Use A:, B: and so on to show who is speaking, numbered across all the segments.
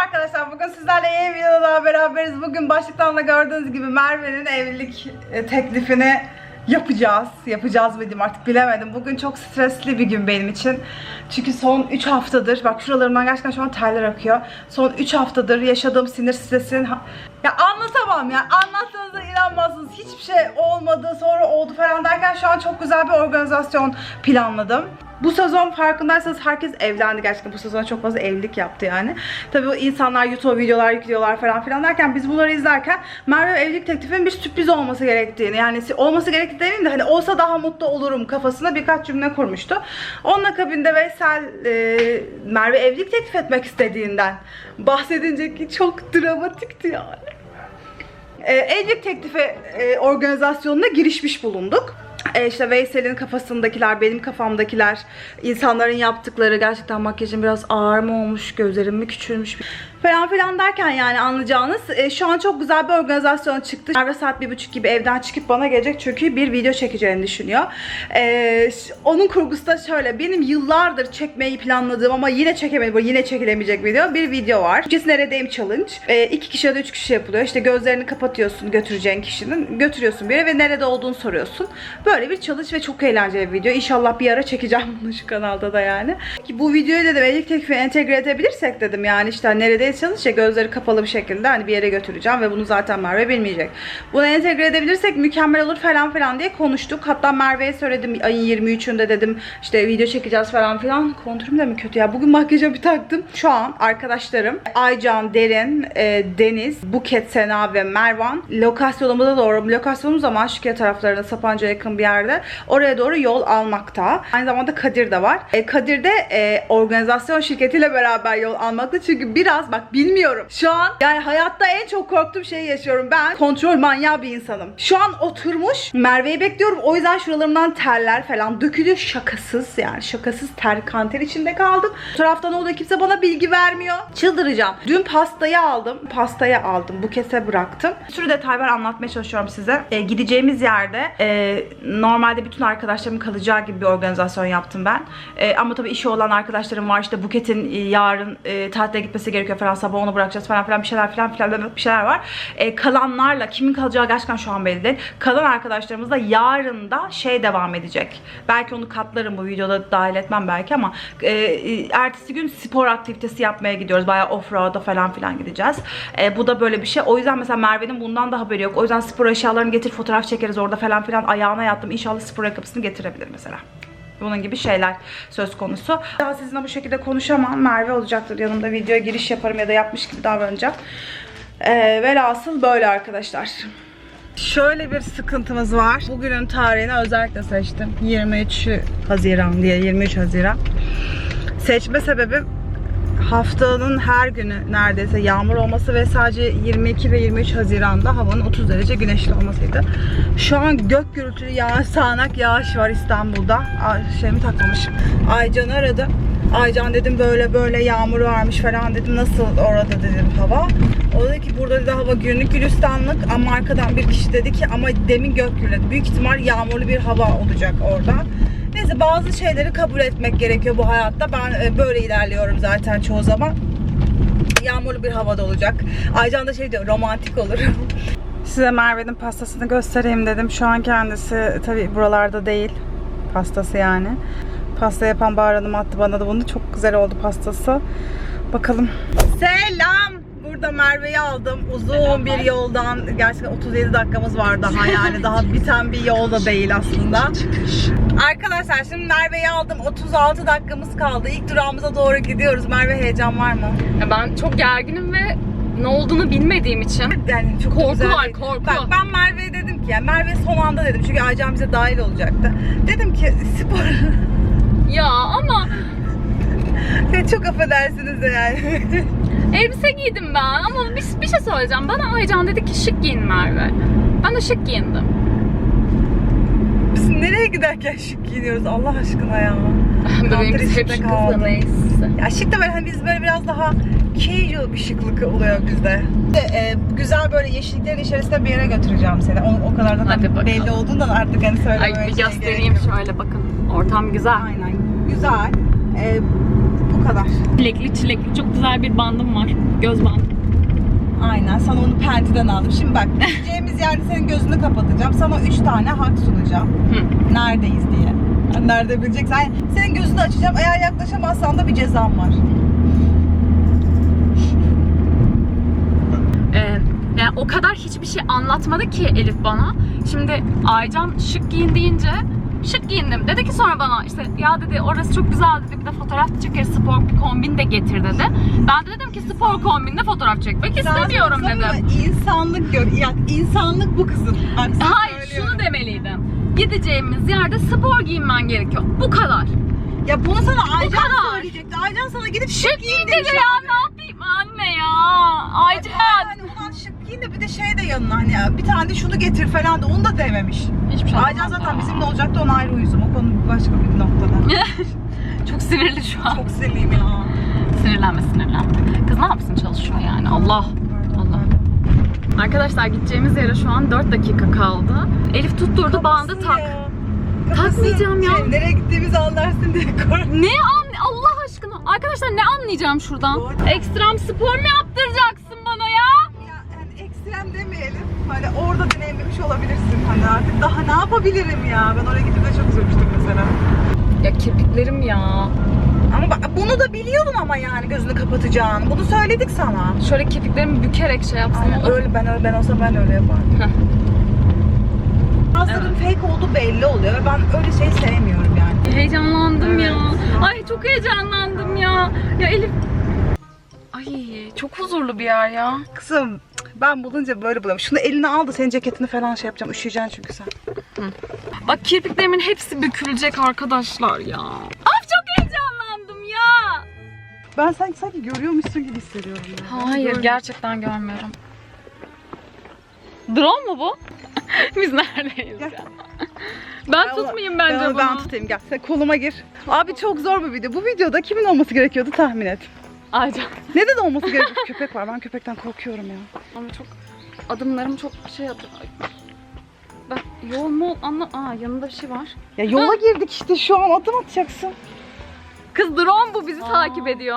A: arkadaşlar, bugün sizlerle yeni bir videoda beraberiz. Bugün başlıktan da gördüğünüz gibi Merve'nin evlilik teklifini yapacağız mı diyeyim artık bilemedim. Bugün çok stresli bir gün benim için. Çünkü son 3 haftadır, bak şuralarımdan gerçekten şu an terler akıyor. Son 3 haftadır yaşadığım sinir stresinin... Ya anlatamam ya, anlattığınızda inanmazsınız. Hiçbir şey olmadı, sonra oldu falan derken şu an çok güzel bir organizasyon planladım. Bu sezon farkındaysanız herkes evlendi gerçekten. Bu sezon çok fazla evlilik yaptı yani. Tabii o insanlar YouTube videolar yüklüyorlar falan filan derken biz bunları izlerken Merve evlilik teklifinin bir sürpriz olması gerektiğini, yani olması gerektiğini demeyeyim de hani olsa daha mutlu olurum kafasına birkaç cümle kurmuştu. Onun akabinde Veysel Merve evlilik teklif etmek istediğinden bahsedince ki çok dramatikti yani. Evlilik teklifi organizasyonuna girişmiş bulunduk. İşte Veysel'in kafasındakiler, benim kafamdakiler, insanların yaptıkları, gerçekten makyajım biraz ağır mı olmuş, gözlerim mi küçülmüş falan filan derken yani anlayacağınız şu an çok güzel bir organizasyon çıktı. Merve saat 1:30 gibi evden çıkıp bana gelecek çünkü bir video çekeceğini düşünüyor. Onun kurgusu da şöyle, benim yıllardır çekmeyi planladığım ama yine çekemedim, yine çekilemeyecek bir video var. Türkçesi neredeyim challenge. 2 kişi ya da 3 kişi yapılıyor. İşte gözlerini kapatıyorsun götüreceğin kişinin, götürüyorsun bir yere ve nerede olduğunu soruyorsun. Böyle bir challenge ve çok eğlenceli bir video. İnşallah bir ara çekeceğim bunu şu kanalda da yani. Ki bu videoyu dedim evlilik teklifi entegre edebilirsek dedim yani işte neredeyiz challenge, gözleri kapalı bir şekilde hani bir yere götüreceğim ve bunu zaten Merve bilmeyecek. Bunu entegre edebilirsek mükemmel olur falan filan diye konuştuk. Hatta Merve'ye söyledim ayın 23'ünde dedim işte video çekeceğiz falan filan. Kontürüm de mi kötü ya? Bugün makyajı bir taktım. Şu an arkadaşlarım Aycan, Derin, Deniz, Buket, Sena ve Mervan lokasyonumuz ama Aşıkiye taraflarına, Sapanca'ya yakın bir yerde. Oraya doğru yol almakta. Aynı zamanda Kadir de var. Kadir de organizasyon şirketiyle beraber yol almakta. Çünkü biraz bak bilmiyorum. Şu an yani hayatta en çok korktuğum şeyi yaşıyorum. Ben kontrol manyağı bir insanım. Şu an oturmuş Merve'yi bekliyorum. O yüzden şuralarımdan terler falan dökülüyor. Şakasız yani. Şakasız kanter içinde kaldım. Bu tarafta ne oluyor? Kimse bana bilgi vermiyor. Çıldıracağım. Dün pastayı aldım. Bukete bıraktım. Bir sürü detay var, anlatmaya çalışıyorum size. Gideceğimiz yerde normalde bütün arkadaşlarımın kalacağı gibi bir organizasyon yaptım ben. Ama tabii işi olan arkadaşlarım var. İşte Buket'in yarın tatile gitmesi gerekiyor falan. Sabah onu bırakacağız falan filan bir şeyler var. Kalanlarla kimin kalacağı gerçekten şu an belli değil. Kalan arkadaşlarımızla yarın da devam edecek. Belki onu katlarım, bu videoda dahil etmem belki ama ertesi gün spor aktivitesi yapmaya gidiyoruz. Bayağı offroad'a falan filan gideceğiz. Bu da böyle bir şey. O yüzden mesela Merve'nin bundan da haberi yok. O yüzden spor eşyalarını getir, fotoğraf çekeriz orada falan filan. Ayağına yattım. İnşallah spor ayakkabısını getirebilir mesela. Bunun gibi şeyler söz konusu. Daha sizinle bu şekilde konuşamam. Merve olacaktır yanımda, videoya giriş yaparım ya da yapmış gibi davranacağım. Velhasıl böyle arkadaşlar. Şöyle bir sıkıntımız var. Bugünün tarihini özellikle seçtim. 23 Haziran diye. 23 Haziran. Seçme sebebim haftanın her günü neredeyse yağmur olması ve sadece 22 ve 23 Haziran'da havanın 30 derece güneşli olmasıydı. Şu an gök gürültülü yağış, sağanak yağış var İstanbul'da. Şeyimi takmamışım. Aycan'ı aradım. Aycan dedim böyle yağmur varmış falan dedim. Nasıl orada dedim hava. O dedi ki burada dedi hava günlük gülistanlık ama arkadan bir kişi dedi ki ama demin gök gürledi. Büyük ihtimal yağmurlu bir hava olacak orada. Neyse, bazı şeyleri kabul etmek gerekiyor bu hayatta. Ben böyle ilerliyorum zaten çoğu zaman. Yağmurlu bir havada olacak. Aycan da diyor, romantik olur. Size Merve'nin pastasını göstereyim dedim. Şu an kendisi tabii buralarda değil. Pastası yani. Pasta yapan Bahar Hanım attı bana da bunu. Çok güzel oldu pastası. Bakalım. Selam. Burada Merve'yi aldım. Uzun bir yoldan. Gerçekten 37 dakikamız var daha yani. Daha biten bir yol da değil aslında. Arkadaşlar şimdi Merve'yi aldım. 36 dakikamız kaldı. İlk durağımıza doğru gidiyoruz. Merve, heyecan var mı?
B: Ya ben çok gerginim ve ne olduğunu bilmediğim için.
A: Yani çok
B: korku
A: güzel.
B: var, korku.
A: Bak ben Merve'ye dedim ki, yani Merve son anda dedim çünkü Aycan bize dahil olacaktı. Dedim ki spor.
B: Ya ama
A: çok affedersiniz de yani.
B: elbise giydim ben ama bir şey söyleyeceğim. Bana Aycan dedi ki şık giyin Merve. Ben de şık giyindim.
A: Biz nereye giderken şık giyiniyoruz Allah aşkına ya.
B: Bebeğim biz hep şıkız da neyse.
A: Ya şık da böyle hani biz böyle biraz daha casual bir şıklık oluyor bizde. Güzel böyle yeşilliklerin içerisinde bir yere götüreceğim seni. O kadar da belli olduğundan artık hani söylemeye
B: Ay bir göstereyim şöyle bakın. Ortam güzel.
A: Aynen güzel. Bu Bu kadar.
B: Çilekli çilekli çok güzel bir bandım var. Göz bandı.
A: Aynen, sana onu Penti'den aldım. Şimdi bak, gideceğimiz yerde senin gözünü kapatacağım. Sana 3 tane hak sunacağım. Neredeyiz diye. Yani nerede bileceksin. Yani senin gözünü açacağım. Eğer yaklaşamazsan da bir cezam var.
B: Yani o kadar hiçbir şey anlatmadı ki Elif bana. Şimdi Aycan şık giyin deyince şık giyindim. Dedi ki sonra bana işte ya dedi orası çok güzel dedi, bir de fotoğraf çekeriz, spor bir kombin de getir dedi. Ben de dedim ki spor kombinle fotoğraf çekmek istemiyorum dedim.
A: İnsanlık gör. Ya, insanlık bu kızım. Bak,
B: Hayır şunu demeliydim. Gideceğimiz yerde spor giyinmen gerekiyor. Bu kadar.
A: Ya bunu sana Aycan
B: kadar.
A: söyleyecekti. Aycan sana gidip
B: Şık giyin dedi ya, ne yapayım anne ya. Aycan.
A: Yani ulan şık giyin de bir de şey de yanına hani ya, bir tane de şunu getir falan da onu da dememiş.
B: Hiçbir şey
A: Aycan zaten bizimle olacaktı, ona ayrı uyuzum. O konu başka bir noktada.
B: Çok sinirli şu an.
A: Çok sinirliyim ya.
B: Sinirlenme. Kız ne yapsın, çalışıyor yani. Allah. Arkadaşlar gideceğimiz yere şu an 4 dakika kaldı. Elif tutturdu, bandı tak. Takmayacağım ya.
A: Nereye gittiğimizi anlarsın diye korktum.
B: Allah aşkına. Arkadaşlar ne anlayacağım şuradan? Ekstrem spor mu yaptıracaksın bana ya?
A: Yani ekstrem demeyelim. Hani orada deneyimlemiş olabilirsin. Hani artık daha ne yapabilirim ya? Ben oraya gidip de çok üzülmüştüm mesela.
B: Ya kirpiklerim ya.
A: Ama bak bunu da biliyordun ama yani gözünü kapatacağını. Bunu söyledik sana.
B: Şöyle kirpiklerimi bükerek şey yapsam
A: Aynen,
B: olur.
A: öyle ben olsam ben öyle yapardım. Bazılarının fake olduğu belli oluyor ve ben öyle şey sevmiyorum yani.
B: Heyecanlandım
A: Evet.
B: ya. Ay çok heyecanlandım ya. Ya Elif. Ay çok huzurlu bir yer ya.
A: Kızım ben bulunca böyle buluyorum. Şunu eline al da senin ceketini falan şey yapacağım. Üşüyeceksin çünkü sen.
B: Bak kirpiklerimin hepsi bükülecek arkadaşlar ya. Ay çok heyecanlandım ya.
A: Ben sanki görüyormuşsun gibi hissediyorum. Ya.
B: Hayır gerçekten görmüyorum. Drone mu bu? Biz neredeyiz
A: Gel.
B: ya? Ben tutmayayım bence bunu.
A: Ben tutayım gel. Sen koluma gir. Abi çok zor bir video. Bu videoda kimin olması gerekiyordu tahmin et.
B: Aycan.
A: Neden olması gerekiyor? Köpek var. Ben köpekten korkuyorum ya.
B: Ama çok adımlarım çok şey atıyor. Ben yol mu yanında bir şey var.
A: Ya yola girdik işte, şu an adım atacaksın.
B: Kız drone bu, bizi takip ediyor.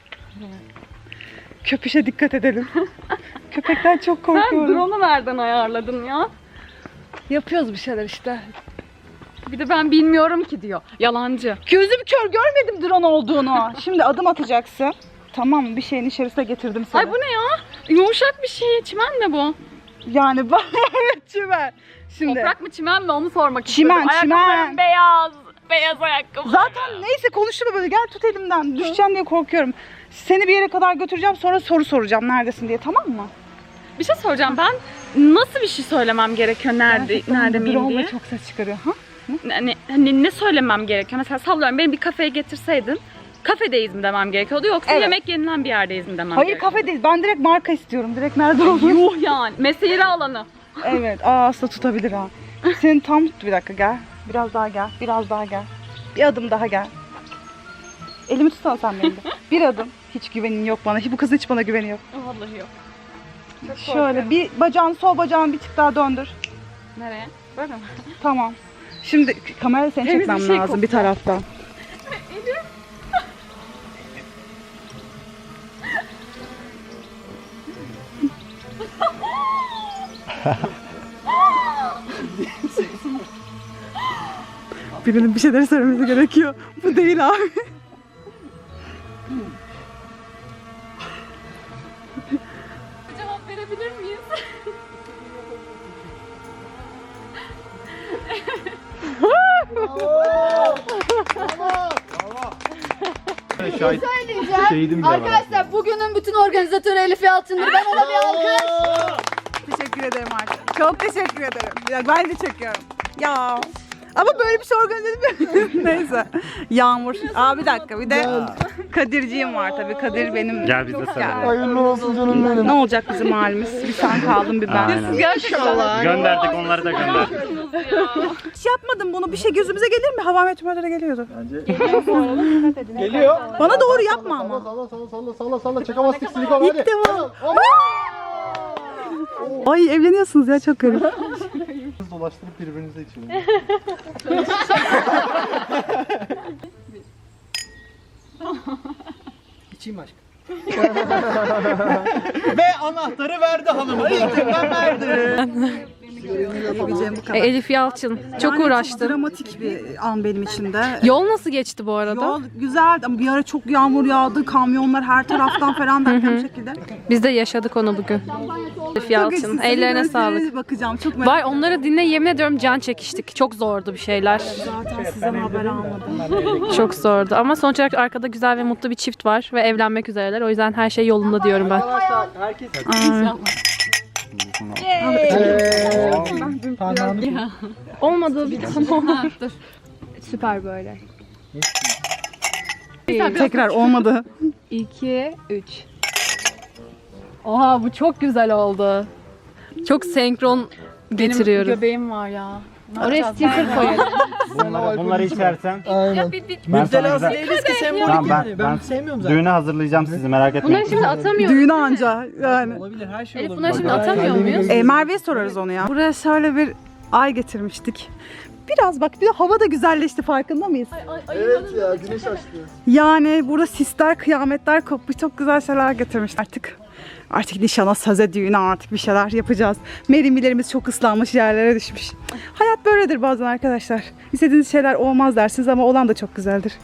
A: Köpüşe dikkat edelim. Köpekten çok
B: Sen
A: korkuyorum.
B: drone'u nereden ayarladın ya?
A: Yapıyoruz bir şeyler işte.
B: Bir de ben bilmiyorum ki diyor. Yalancı.
A: Gözüm kör, görmedim drone olduğunu. Şimdi adım atacaksın. Tamam, bir şeyin içerisine getirdim seni.
B: Ay bu ne ya? Yumuşak bir şey. Çimen mi bu?
A: Yani bak çimen. Şimdi
B: Toprak mı çimen mi onu sormak
A: Çimen,
B: istedim.
A: çimen.
B: Ayakkabılarım beyaz. Beyaz ayakkabı.
A: zaten neyse konuşma böyle, gel tut elimden. Düşeceğim diye korkuyorum. Seni bir yere kadar götüreceğim, sonra soru soracağım neredesin diye, tamam mı?
B: Bir şey soracağım, ben nasıl bir şey söylemem gerekiyor nerede miyim
A: Drone
B: diye?
A: çok ses çıkarıyor. Ha?
B: Ne söylemem gerekiyor? Mesela sallıyorum, beni bir kafeye getirseydin kafedeyiz mi demem gerekiyordu, yoksa
A: Evet.
B: yemek yenilen bir yerdeyiz mi demem
A: Hayır,
B: gerekiyordu?
A: kafe değil. Ben direkt marka istiyorum. Direkt nerede olduğunu.
B: Yuh yani. Mesire alanı.
A: Evet. Aslında tutabilir ha. Seni tam tut, bir dakika gel. Biraz daha gel. Biraz daha gel. Bir adım daha gel. Elimi tutsana sen benim de. Bir adım. Hiç güvenin yok bana. Bu kızın hiç bana güveni yok.
B: Vallahi yok. Çok
A: Şöyle
B: korkuyorum.
A: bir bacağını, sol bacağını bir tık daha döndür.
B: Nereye? Böyle mi?
A: Tamam. Şimdi kamerayla seni
B: Temiz
A: çekmem
B: bir şey
A: lazım bir
B: kokuyor.
A: taraftan. Birinin bir şeyler söylemesi gerekiyor. Bu değil abi.
B: Cevap verebilir miyiz?
C: Şahit
D: Söyleyeceğim.
C: şehidim bile var.
D: Arkadaşlar bugünün bütün organizatörü Elif Yalçın'dır. Ben ona bir alkış.
A: Teşekkür ederim artık. Çok teşekkür ederim. Ya ben de çekiyorum. Ya. Ama böyle bir şey organize edemiyorum. Neyse. Yağmur. Bir dakika, bir de Kadirciğim var tabii. Kadir benim.
C: Gel biz de sarılalım.
E: Hayırlı olsun canım benim.
A: Ne olacak bizim halimiz? Bir sen kaldın, bir ben.
C: Aynen. Gönderdik, onları da gönderdik.
A: Hiç yapmadım bunu. Bir şey gözümüze gelir mi? Hava meteorolojilere geliyordu.
E: Geliyor.
A: Bana doğru yapma ama.
E: Salla. Çakamazlık silikon hadi.
A: İlk defa. Ay evleniyorsunuz ya, çok garip.
E: Dolaştırıp birbirinize için.
F: Tetikçiyim aşkım.
C: Ve anahtarı verdi hanıma. Ben verdim.
A: Yapabileceğim bu kadar.
B: Elif Yalçın çok uğraştı.
A: Çok dramatik bir an benim için de.
B: Yol nasıl geçti bu arada?
A: Yol güzeldi ama bir ara çok yağmur yağdı, kamyonlar her taraftan falan derken bir şekilde.
B: Biz de yaşadık onu bugün. Elif Yalçın, ellerine sağlık.
A: Bakacağım çok merak
B: Vay onları dinle yemin ediyorum can çekiştik. Çok zordu bir şeyler.
A: Zaten sizden haber almadım.
B: Çok zordu ama sonuç olarak arkada güzel ve mutlu bir çift var ve evlenmek üzereler. O yüzden her şey yolunda diyorum ben.
F: Arkadaşlar herkes
B: Olmadı bir tane. Dur. Süper böyle.
A: Tekrar olmadı.
B: 2, 3. Oha bu çok güzel oldu. Çok senkron getiriyoruz. Benim göbeğim var ya. Oraya sticker koyalım.
C: Bunları içersen
E: Aynen.
C: ben sana
F: müptelası
C: güzel...
F: değiliz ki sembolik
C: Tamam,
F: yani. Ben
C: ben
F: sevmiyorum zaten.
C: düğüne hazırlayacağım sizi merak etmeyin.
B: Bunları şimdi atamıyoruz.
A: Düğüne anca yani.
F: Olabilir her şey
B: Elif
F: olabilir.
B: bunları şimdi atamıyor muyuz?
A: Merve'ye sorarız onu ya. Buraya şöyle bir ay getirmiştik. Biraz bak bir de hava da güzelleşti farkında mıyız?
E: Evet ya güneş açtı.
A: Yani burada sisler, kıyametler kopmuş. Çok güzel şeyler getirmiş artık. Artık nişana, söze, düğüne artık bir şeyler yapacağız. Merimilerimiz çok ıslanmış, yerlere düşmüş. Hayat böyledir bazen arkadaşlar. İstediğiniz şeyler olmaz dersiniz ama olan da çok güzeldir.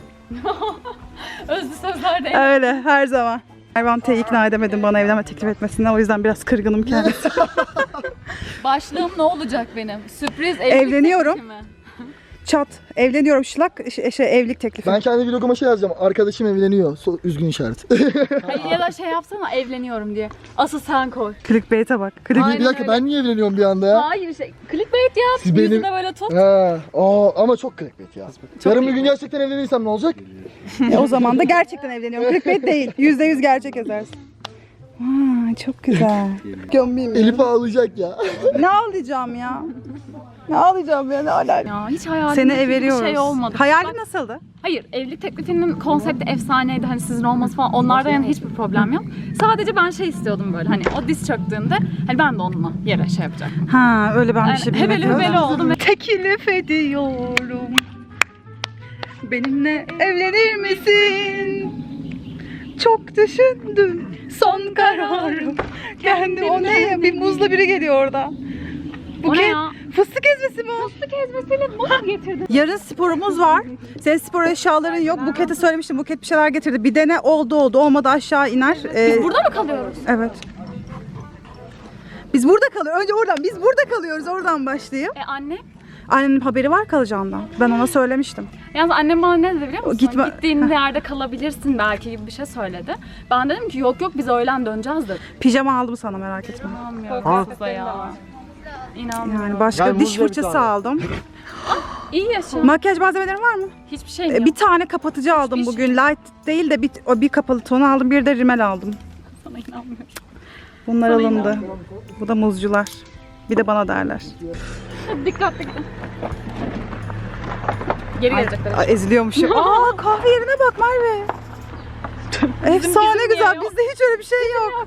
B: Özlü sözler değil.
A: Öyle her zaman. Mervan T'yi ikna edemedim bana evlenme teklif etmesine. O yüzden biraz kırgınım kendisi.
B: Başlığım ne olacak benim? Sürpriz evlilik
A: Evleniyorum.
B: teklifi mi?
A: Çat. Evleniyorum şılak. Evlilik teklifi.
E: Ben kendi vloguma şey yazacağım. Arkadaşım evleniyor. Üzgün işaret.
B: Hayır ya da şey yapsana evleniyorum diye. Asıl sen koy.
A: Clickbait'e bak.
E: bir dakika ben niye evleniyorum bir anda ya?
B: Hayır şey clickbait yap.
E: Siz benim-
B: Yüzüne böyle tut.
E: Ha, ama çok clickbait ya. Yarın bir gün gerçekten evlenirsem ne olacak?
A: O zaman da gerçekten evleniyorum. Clickbait değil. %100 gerçek yazarsın. Aa, çok güzel. Gömeyim.
E: Elif ağlayacak ya.
A: Ne ağlayacağım ya? Ne ağlayacağım ya? Ne alaka?
B: Ya hiç hayalimde
A: Seni
B: bir
A: veriyoruz.
B: şey olmadı.
A: Hayalin
B: Bak,
A: nasıldı?
B: hayır evlilik teklifinin konsepti efsaneydi. Hani sizin olması falan onlardan yani hiçbir problem yok. Sadece ben şey istiyordum böyle hani o diz çöktüğünde hani ben de onunla yere şey yapacaktım.
A: Ha öyle ben bir şey
B: Yani hebeli
A: bilmiyorum.
B: hebeli oldum.
A: Teklif ediyorum. Benimle evlenir misin? Çok düşündüm. Son kararım. Kendi o ne ya? Bir muzla biri geliyor orada.
B: O ne ya?
A: Fıstık ezmesi mi o?
B: Fıstık ezmesiyle muz getirdin.
A: Yarın sporumuz var. Senin spor eşyaların yok. Buket'e söylemiştim. Buket bir şeyler getirdi. Bir dene oldu olmadı aşağı iner.
B: Biz burada mı kalıyoruz?
A: Evet. Biz burada kalıyoruz. Önce oradan. Biz burada kalıyoruz. Oradan başlayayım.
B: Anne?
A: Annenin haberi var kalacağından. Ben ona söylemiştim.
B: Yalnız annem bana ne dedi biliyor musun?
A: Gitme-
B: Gittiğin yerde kalabilirsin belki gibi bir şey söyledi. Ben dedim ki yok biz öğlen döneceğiz dedim.
A: Pijama aldım sana merak etme.
B: İnanmıyorum size ya. İnanmıyorum.
A: Yani başka
F: Gel,
A: diş
F: muz ver bir
A: fırçası
F: tane.
A: aldım.
B: İyi yaşa.
A: Makyaj malzemelerin var mı?
B: Hiçbir şey yok.
A: Bir tane kapatıcı aldım
B: Hiçbir
A: bugün. Light değil de bir kapalı tonu aldım. Bir de rimel aldım.
B: Sana inanmıyorum.
A: Bunlar alındı. Bu da muzcular. Bir de bana derler.
B: Dikkatli gidin. Geri gelecekler.
A: Ay, eziliyormuşum. Aa kahve yerine bak Merve. Efsane
B: bizim
A: güzel.
B: niye yok?
A: Bizde hiç öyle bir şey yok.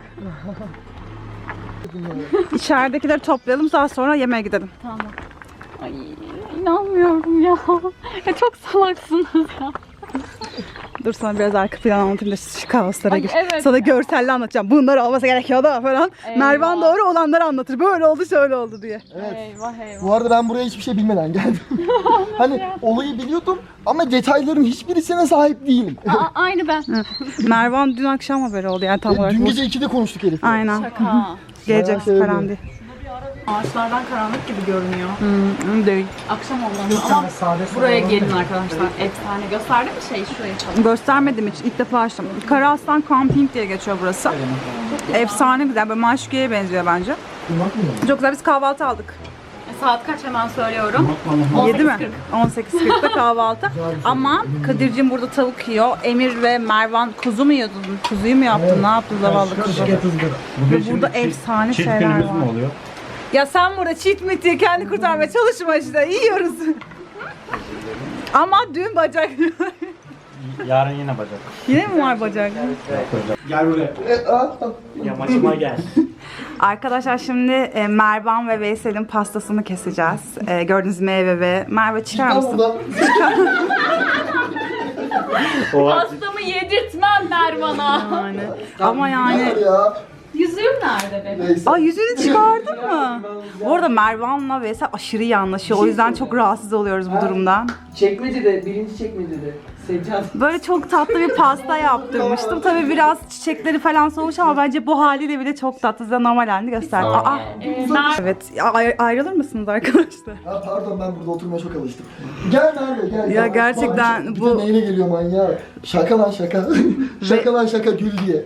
A: İçeridekileri toplayalım daha sonra yemeğe gidelim.
B: Tamam. Ay inanmıyorum ya. Ya çok salaksınız ya.
A: Dur sana biraz arka plan anlatayım da şu kaoslara
B: Ay,
A: gir.
B: evet
A: Sana
B: ya.
A: görselle anlatacağım. Bunları olması gerekiyor da falan.
B: Eyvah.
A: Mervan doğru olanları anlatır. Böyle oldu şöyle oldu diye.
E: Evet.
B: Eyvah eyvah.
E: Bu arada ben buraya hiçbir şey bilmeden geldim. Hani olayı biliyordum ama detayların hiçbirisine sahip değilim.
B: Aynı ben.
A: Mervan dün akşam haberi oldu yani tam olarak.
E: Dün
A: bu.
E: gece 2'de konuştuk Elif'le.
A: Aynen.
B: Şaka.
A: Gelecek
E: Bayağı
A: falan
E: sevdim.
A: diye.
B: Ağaçlardan karanlık gibi görünüyor.
A: Değil.
B: Akşam oldu ama buraya gelin arkadaşlar. Efsane. Gösterdi mi şey şurayı çalın?
A: Göstermedim hiç. İlk defa açtım. Karaaslan Camping diye geçiyor burası. Efsane güzel. Böyle Maşukiye'ye benziyor bence. Çok güzel. Biz kahvaltı aldık.
B: Saat kaç hemen söylüyorum.
A: 7 mi? 18.40'da kahvaltı. Ama Kadir'cim burada tavuk yiyor. Emir ve Mervan kuzu mu yiyordun? Kuzuyu mu yaptın? Ne yaptın zavallı kuzu? Ve burada efsane
C: Çift
A: şeyler
C: günümüz
A: var.
C: mü oluyor?
A: Ya sen burada cheat meat diye kendi kurtarmaya çalışma işte. Yiyoruz. Ama dün bacak.
C: Yarın yine bacak.
A: Yine mi var bacak?
C: Gel buraya. Yamaçıma gel.
A: Arkadaşlar şimdi Mervan ve Veysel'in pastasını keseceğiz. Gördüğünüz meyve ve Merve çıkar mısın?
E: Buradan
B: Pastamı yedirtmem ver bana.
A: Yani. Ama yani.
E: Ya.
B: Yüzüğüm nerede benim?
E: Neyse.
A: Ay yüzüğünü çıkardın mı? Bu arada Mervan'la Veysel aşırı iyi anlaşıyor. O yüzden çok rahatsız oluyoruz bu durumdan.
F: Çekmecede, birinci çekmecede. Seccade.
A: Böyle çok tatlı bir pasta yaptırmıştım. Tabii biraz çiçekleri falan soğumuş ama bence bu haliyle bile çok tatlı. Size normal halini gösterdim. Aa, evet. Ayrılır mısınız arkadaşlar?
E: Ha, pardon ben burada oturmaya çok alıştım. Gel Merve gel.
A: Ya gerçekten
E: Bak,
A: bu-
E: Bir de neyle geliyor manyak. Şaka lan şaka. Şaka lan şaka gül diye.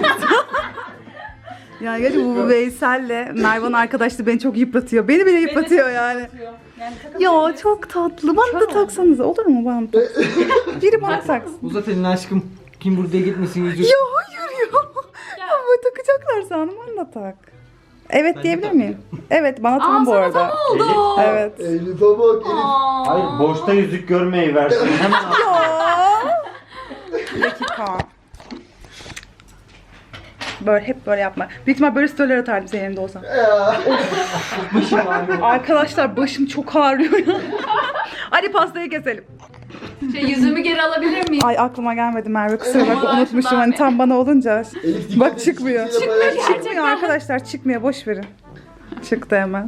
A: Yani gerçekten bu Veysel'le Mervan arkadaşlığı beni çok yıpratıyor. Beni bile yıpratıyor yani. Ya çok tatlı. Bana da taksanız olur mu bana? Biri bana taksın.
F: Uzat elini aşkım. Kim buraya gitmesin yüzük.
A: Ya hayır ya. Ya böyle takacaklar sandım. Bana da tak. Evet diyebilir miyim? Evet bana tam bu arada.
B: Oldu.
A: Evet.
E: Elif'e bak Elif.
C: Hayır boşta yüzük görmeyi versin. Hemen al.
A: Ya. Bir dakika. Böyle hep böyle yapma. Büyük ihtimal böyle storyler atardım senin yerinde olsam. Arkadaşlar başım çok ağrıyor ya. Hadi pastayı keselim.
B: Yüzüğümü geri alabilir miyim?
A: Ay aklıma gelmedi Merve kusura bakma
B: Ay,
A: unutmuşum
B: ben
A: hani
B: de.
A: tam bana olunca.
E: Elif dikkat
A: Bak
E: et,
A: çıkmıyor.
E: çizgiyle bayağı-
A: Çıkmıyor arkadaşlar çıkmıyor boş verin. Çıktı hemen.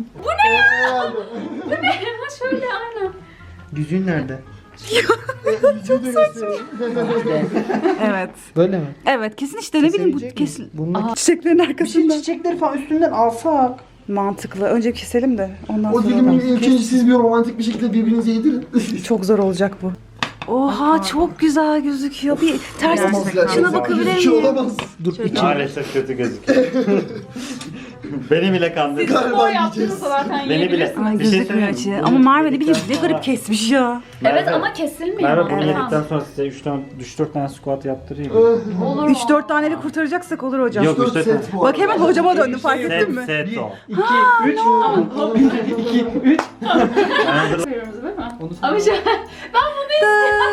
B: Şöyle aynen.
F: Yüzüğün nerede?
E: Yüzüğü de göstereyim.
A: Evet.
F: Böyle mi?
A: Evet kesin işte ne bileyim bu
F: Kesebilecek
A: kesin.
F: Bunun
A: Çiçeklerin arkasından.
F: çiçekleri falan üstünden alsak.
A: Mantıklı. Önce keselim de ondan
E: O
A: sonra.
E: dilimin ilk önce siz bir romantik bir şekilde birbirinize yedirin.
A: Çok zor olacak bu. Oha çok güzel gözüküyor. Bir ters şuna bakabilir
E: Gözüküyor
A: miyim?
E: olamaz.
F: Dur
C: Maalesef kötü gözüküyor. Beni bile kandırdı.
E: Galiba yiyeceğiz.
B: zaten
C: Beni bile.
A: Ay
C: Bir şey
A: gözükmüyor
C: söyleyeyim
A: içi.
C: mi?
A: Ama Merve ne bileyim ne garip kesmiş ya.
B: Evet ama kesilmiyor.
C: Merve bunu
A: Evet.
C: yedikten sonra size 3-4 tane squat yaptırayım.
B: Olur.
A: 3-4 taneyle kurtaracaksak olur hocam.
C: Yok 3-4
E: Set
C: tane.
E: bu
A: Bak
E: arada.
A: hemen hocama döndüm fark ettin
C: Set
A: mi?
C: set o.
F: 2, 3. 2, 3.
B: Yapıyoruz değil mi? Ama şu ben bunu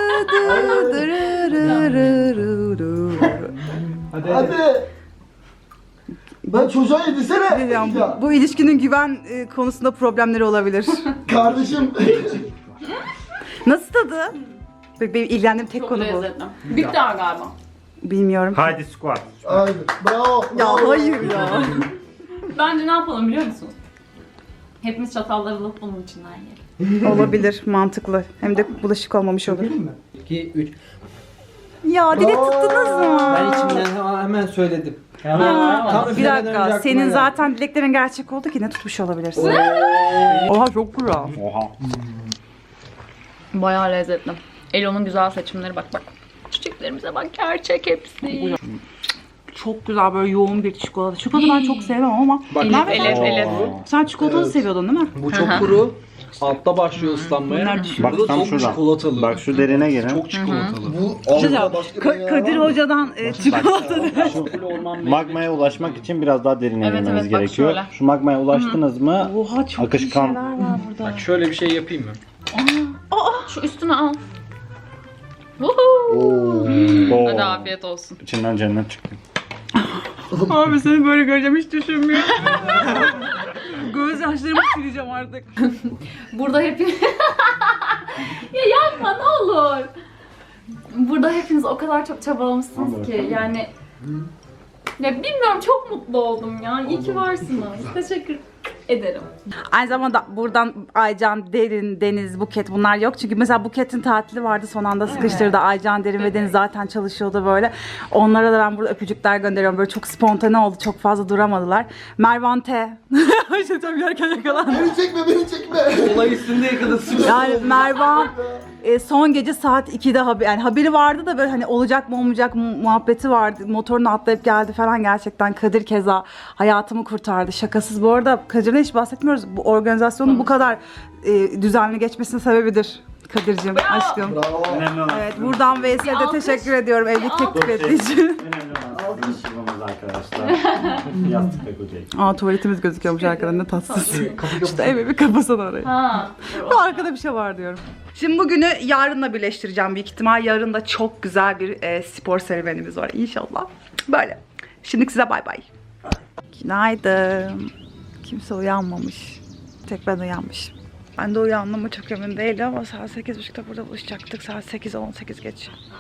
E: Hadi. Ben çocuğa yedirsene.
A: Diyeceğim,
E: Ya,
A: bu ilişkinin güven konusunda problemleri olabilir.
E: kardeşim.
A: Nasıl tadı? Benim ilgilendiğim tek
B: çok
A: konu bu.
B: lezzetli. Bitter galiba.
A: Bilmiyorum.
C: Haydi squat.
E: Aynen. Bravo.
A: Ya
E: bravo.
A: hayır ya.
B: Bence ne yapalım biliyor musunuz? Hepimiz çatalları alıp bunun içinden yiyelim.
A: Olabilir, mantıklı. Hem de bulaşık olmamış olur.
F: 2, 3.
A: Ya dile tuttunuz mu?
F: Ben içimden hemen söyledim.
A: Ya,
F: Tam
A: bir
F: üflemeden önce
A: dakika,
F: aklıma
A: senin
F: geldi.
A: zaten dileklerin gerçek oldu ki ne tutmuş olabilirsin. Oha çok güzel.
C: Oha.
B: Bayağı lezzetli. Elo'nun güzel seçimleri bak. Çiçeklerimize bak gerçek hepsi.
A: Çok güzel böyle yoğun bir çikolata. Çikolata ben çok sevmem ama
F: Bak,
A: Merve, sen çikolatalı seviyordun değil mi?
F: Bu çok kuru. Altta başlıyor ıslanmaya.
A: Bunlar düşüyor.
C: Bak
F: Bu da
C: tam
F: çok
C: şuradan.
F: çikolatalı.
C: Bak şu derine gelin.
F: Çok çikolatalı.
E: Bu altta başka bir yer
A: Kadir
E: var mı?
A: Hoca'dan çikolata.
C: Magmaya ulaşmak için biraz daha derine
B: Evet,
C: girmeniz
B: evet, bak
C: gerekiyor.
B: şöyle.
C: Şu magmaya ulaştınız mı?
A: Oha çok
C: Akışkan.
A: iyi şeyler var burada.
F: Bak şöyle bir şey yapayım mı?
B: Şu üstüne al. Woohoo.
C: Oo.
B: Hadi afiyet olsun.
C: İçinden cennet çıktı.
A: Abi seni böyle göreceğim hiç düşünmüyorum. Göz yaşlarımı sileceğim artık.
B: Burada hepiniz... ya yapma ne olur. Burada hepiniz o kadar çok çabalamışsınız ki yani... Ya bilmiyorum çok mutlu oldum ya. İyi ki varsınız. Teşekkür ederim.
A: Aynı zamanda buradan Aycan, Derin, Deniz, Buket bunlar yok. Çünkü mesela Buket'in tatili vardı son anda sıkıştırdı. Aycan, Derin ve Deniz zaten çalışıyordu böyle. Onlara da ben burada öpücükler gönderiyorum. Böyle çok spontane oldu. Çok fazla duramadılar. Mervan T. İşte tam yerken yakalandı.
E: Beni çekme.
F: Olay üstünde yakalasın.
A: Yani Mervan son gece saat 2'de haberi vardı da böyle hani olacak mı olmayacak mı muhabbeti vardı. Motorunu atlayıp geldi falan gerçekten. Kadir keza hayatımı kurtardı. Şakasız bu arada Kadir'den hiç bahsetmiyoruz. Bu organizasyonun bu kadar düzenli geçmesinin sebebidir. Kadir'cim aşkım.
E: Bravo.
C: Önemli olan
A: Evet buradan Veysel'e de
B: alkış.
A: teşekkür ediyorum evlilik teklif ettiği için.
C: Önemli olan sizin şivamız arkadaşlar. Yastık ve kocayı.
A: Aa tuvaletimiz gözüküyormuş arkada ne tatsız. İşte evi bir kapasana orayı.
B: Ha.
A: Bu arkada bir şey var diyorum. Şimdi bugünü yarınla birleştireceğim büyük ihtimal. Yarın da çok güzel bir spor serüvenimiz var inşallah. Böyle. Şimdi size bay bay. Günaydın. Kimse uyanmamış. Tek ben uyanmışım. Ben de uyandığıma çok emin değilim ama saat 8.30'da burada buluşacaktık. Saat 8'e 18 geç.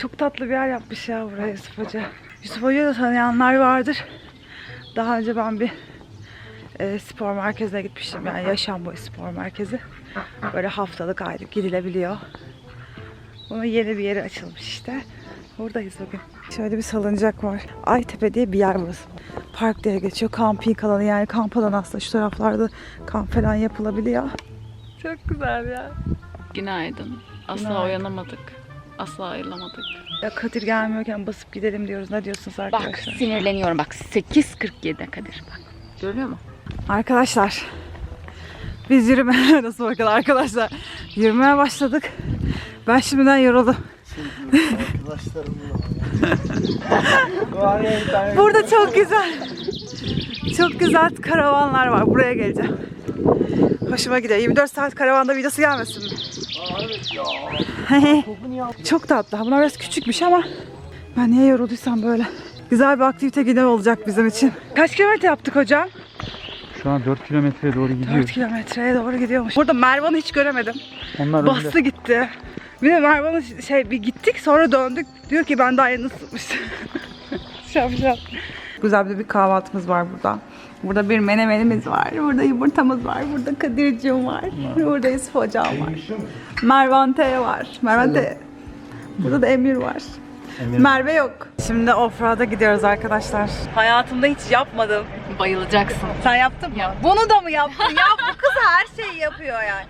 A: Çok tatlı bir yer yapmış ya buraya Yusuf Hoca. Yusuf Hoca'yı da tanıyanlar vardır. Daha önce ben bir spor merkezine gitmiştim. Yani yaşam boyu spor merkezi. Böyle haftalık aylık gidilebiliyor. Bunun yeni bir yeri açılmış işte. Buradayız bugün. Şöyle bir salıncak var. Aytepe diye bir yer burası. Park diye geçiyor. Kamping alanı, yani kamp alanı aslında. Şu taraflarda kamp falan yapılabiliyor. Çok güzel ya.
B: Günaydın. Asla
A: Günaydın.
B: uyanamadık. Asla ayrılamadık.
A: Ya Kadir gelmiyorken basıp gidelim diyoruz. Ne diyorsunuz
D: Bak
A: arkadaşlar?
D: sinirleniyorum bak 8.47 Kadir bak. Görüyor musun?
A: Arkadaşlar biz yürümeye nasıl bakın arkadaşlar, yürümeye başladık. Ben şimdiden yoruldum. Burada çok güzel karavanlar var. Buraya geleceğim. Hoşuma gidiyor. 24 saat karavanda videosu gelmesin mi? Çok tatlı. Bunlar biraz küçükmüş ama ben niye yorulduysam böyle. Güzel bir aktivite günü olacak bizim için. Kaç kilometre yaptık hocam?
G: Şu an 4 kilometreye doğru
A: 4
G: gidiyor.
A: kilometreye doğru gidiyormuş. Burada Mervan'ı hiç göremedim.
G: Onlar
A: Bastı
G: önde.
A: gitti. Bir de Mervan'ı bir gittik sonra döndük. Diyor ki ben daha yeni ısıtmıştım. Şapşal. Güzel bir kahvaltımız var burada. Burada bir menemenimiz var. Burada yumurtamız var. Burada Kadir'cim var. Burada Yusuf hocam var. Mervan T var. Mervan T. Burada da Emir var. Merve yok. Şimdi offroad'a gidiyoruz arkadaşlar. Hayatımda hiç yapmadım.
B: Bayılacaksın.
A: Sen yaptın mı? Bunu da mı yaptın? Ya bu kız her şeyi yapıyor yani.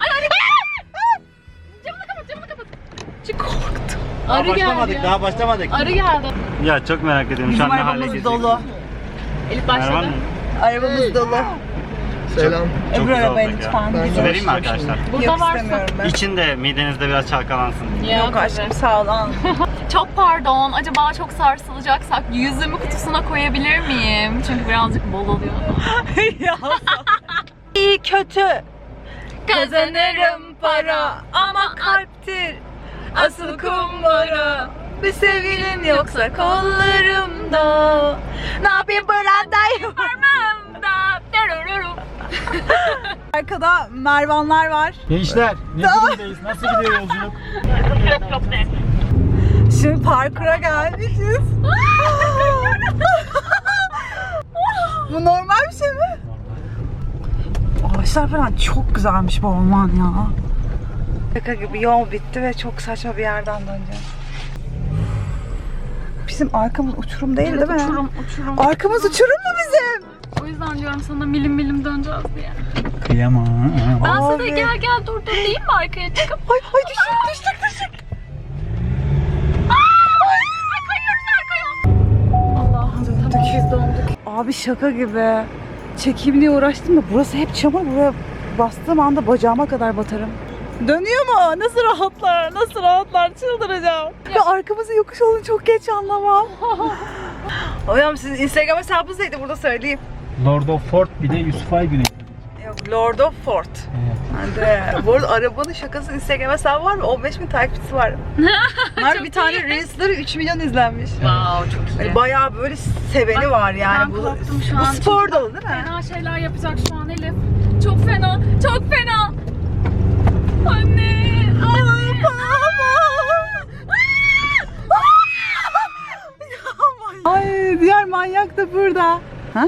B: Camını kapat.
C: Daha
B: Arı
C: başlamadık,
B: geldi.
C: daha başlamadık.
B: Arı geldi.
C: Ya çok merak ediyorum şu an
A: Bizim
C: ne hale
A: arabamız
C: gelecek.
A: dolu.
B: Elif
C: Mervan
B: başladı.
C: mı?
A: Arabamız dolu.
E: Selam.
C: Çok
A: Öbür
C: güzel
A: arabaya
C: olacak ya.
A: lütfen.
E: Ben
C: Su vereyim mi
E: yavaşlayacağım
C: arkadaşlar?
B: Burada
A: Yok
B: varsa.
A: istemiyorum ben.
C: İçin de midenizde biraz çalkalansın.
A: Yok aşkım sağ ol. al.
B: Çok pardon. Acaba çok sarsılacaksak yüzümü kutusuna koyabilir miyim? Çünkü birazcık bol oluyor.
A: Ya. İyi kötü. Kazanırım para ama kalptir asıl kumbara. Bir sevgilim yoksa kollarımda. Ne yapayım Bıranda'yım?
B: Parmağımda.
A: Arkada Mervanlar var.
G: Gençler ne durumdayız? Nasıl gidiyor yolculuk?
A: Şimdi parkura gelmişiz. Bu normal bir şey mi? Ağaçlar falan çok güzelmiş bu orman ya. Şaka gibi yol bitti ve çok saçma bir yerden döneceğiz. Bizim arkamız uçurum değil değil mi?
B: Uçurum.
A: Arkamız uçurum mu bizim?
B: O yüzden diyorum sana milim döneceğiz diye.
G: Kıyamam.
B: Ben sana
A: Abi.
B: gel dur diyeyim mi arkaya çıkıp?
A: Ay düştük.
B: Allah'ım biz donduk.
A: Abi şaka gibi. Çekeyim diye uğraştım da burası hep çamur. Buraya bastığım anda bacağıma kadar batarım. Dönüyor mu? Nasıl rahatlar? Çıldıracağım. Ya arkamızın yokuş olduğunu çok geç anlamam. Hocam sizin Instagram hesabınız neydi burada söyleyeyim.
G: Lord of Fort bir de Yusuf Aygün'e.
A: Yok Lord of Fort.
G: Evet.
A: Bu arada arabanın şakası Instagram hesabı var mı? 15.000 takipçisi var. Bunlar bir tane Reels'ları 3 milyon izlenmiş.
B: Wow çok iyi.
A: Yani bayağı böyle seveni var yani.
B: ben
A: Bu,
B: korktum şu
A: bu
B: an.
A: spor dalı değil mi?
B: Fena şeyler yapacak şu an Elif. Çok fena. Anne.
A: Ay diğer manyak da burada. Ha?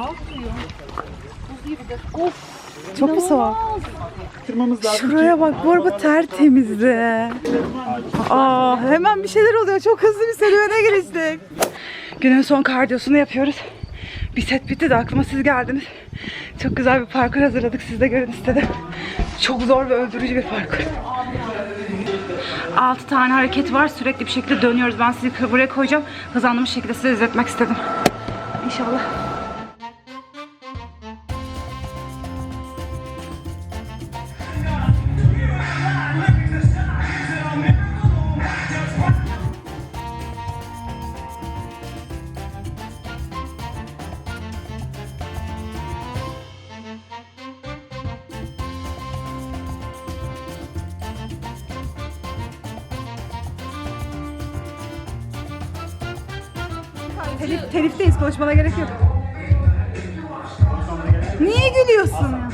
A: Of. Çok mu soğuk? Şuraya bak, bu araba tertemizdi. Aa, hemen bir şeyler oluyor. Çok hızlı bir serüvene giriştik. Günün son kardiyosunu yapıyoruz. Bir set bitti de aklıma siz geldiniz. Çok güzel bir parkur hazırladık. Siz de görün istedim. Çok zor ve öldürücü bir parkur. 6 tane hareket var. Sürekli bir şekilde dönüyoruz. Ben sizi buraya koyacağım. Hızlandırmış şekilde size izletmek istedim. İnşallah. Telifteyiz, konuşmana gerek yok. Niye gülüyorsun ya?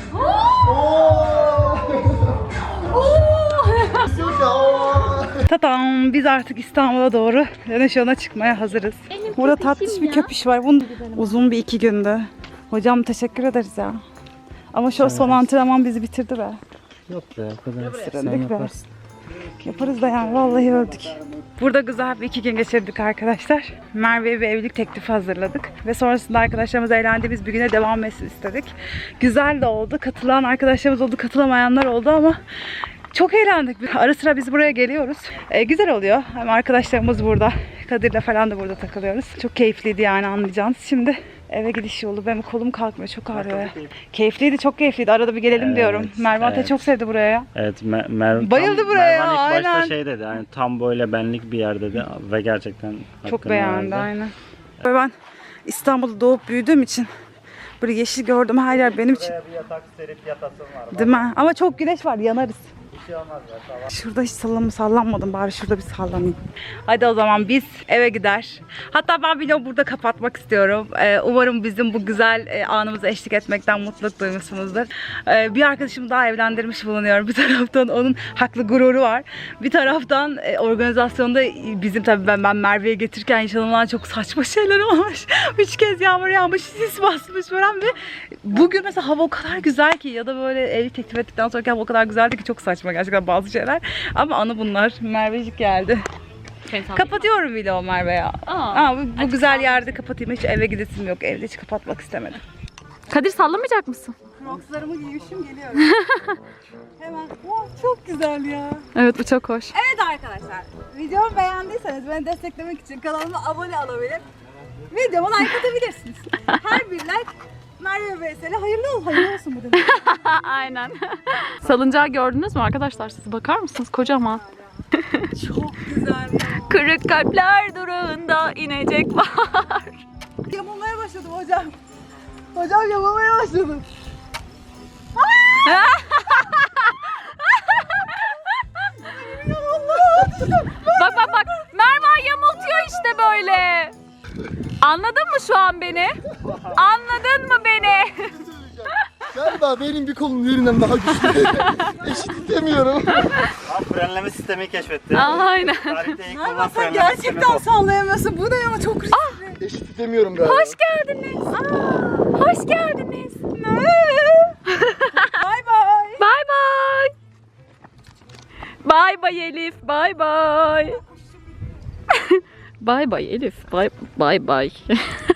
A: Tatam, biz artık İstanbul'a doğru dönüş yoluna çıkmaya hazırız. Burada tatlış bir köpüş var. Bunun uzun bir 2 gündü. Hocam teşekkür ederiz ya. Ama şu son antrenman bizi bitirdi be.
G: Yok be o kadar.
A: Sırandık be. Yaparız da yani vallahi öldük. Burada güzel bir 2 gün geçirdik arkadaşlar. Merve'ye bir evlilik teklifi hazırladık. Ve sonrasında arkadaşlarımız eğlendiğimiz bir güne devam etsin istedik. Güzel de oldu. Katılan arkadaşlarımız oldu, katılamayanlar oldu ama çok eğlendik. Ara sıra biz buraya geliyoruz. Güzel oluyor. Hem arkadaşlarımız burada. Kadir'le falan da burada takılıyoruz. Çok keyifliydi yani, anlayacağınız. Şimdi eve gidiş yolu. Benim kolum kalkmıyor. Çok ağrıyor. Keyifliydi, çok keyifliydi. Arada bir gelelim
C: Evet,
A: diyorum. Merve Ate
C: evet.
A: çok sevdi buraya.
C: Evet,
A: Bayıldı buraya,
C: Mervan ilk
A: aynen.
C: başta şey dedi, yani tam böyle benlik bir yer dedi ve gerçekten
A: Çok
C: hakkını
A: beğendi,
C: verdi.
A: aynen. Ben İstanbul'da doğup büyüdüğüm için böyle yeşil gördüm, her yer benim için.
C: Bir yatak serip yatasın var.
A: Değil mi? Ama çok güneş var, yanarız. Şurada hiç sallanmadım, bari şurada bir sallanayım. Hadi o zaman biz eve gider. Hatta ben vlogu burada kapatmak istiyorum. Umarım bizim bu güzel anımıza eşlik etmekten mutluluk duymuşsunuzdur. Bir arkadaşımı daha evlendirmiş bulunuyorum. Bir taraftan onun haklı gururu var. Bir taraftan organizasyonda bizim tabii ben Merve'ye getirirken yaşanılan çok saçma şeyler olmuş. 3 kez yağmur yağmış, sis basmış falan ve bugün mesela hava o kadar güzel ki, ya da böyle evlilik teklif ettikten sonraki hava o kadar güzeldi ki çok saçma gerçekten bazı şeyler. Ama anı bunlar. Mervecik geldi. Kapatıyorum vlogu Merve ya. Bu güzel yerde kapatayım. Hiç eve gidesim yok. Evde hiç kapatmak istemedim.
B: Kadir sallamayacak mısın?
A: Crocs'larımı giymişim, geliyorum. Hemen. Çok güzel ya.
B: Evet, bu çok hoş.
A: Evet arkadaşlar. Videomu beğendiyseniz beni desteklemek için kanalıma abone olabilir. Videoma like atabilirsiniz. Her bir like Merve Veysel'e hayırlı olsun bu demek.
B: Aynen. Salıncağı gördünüz mü arkadaşlar? Siz bakar mısınız? Kocaman.
A: Çok güzel ya.
B: Kırık kalpler durağında inecek var.
A: Yamulmaya başladım hocam. Hocam yamulmaya başladım.
B: Bak. Merve yamultuyor işte böyle. Anladın mı şu an beni? Anladın mı beni?
E: Galiba benim bir kolum yerinden daha güçlü. Eşitlemiyorum.
C: Abi frenleme sistemi keşfetti.
B: Aynen.
C: Tarihte ilk
A: Merve
C: olan
A: sen
C: frenleme sistemi
A: gerçekten
C: bu.
A: sallayamıyorsun. Bu ne ya, çok riskli.
E: Eşitlemiyorum galiba.
B: Hoş geldiniz. Hoş geldiniz.
A: Bay bay.
B: Bye bye. Bye bye Elif. Bye bye. Bye bye Elif. Bye bye.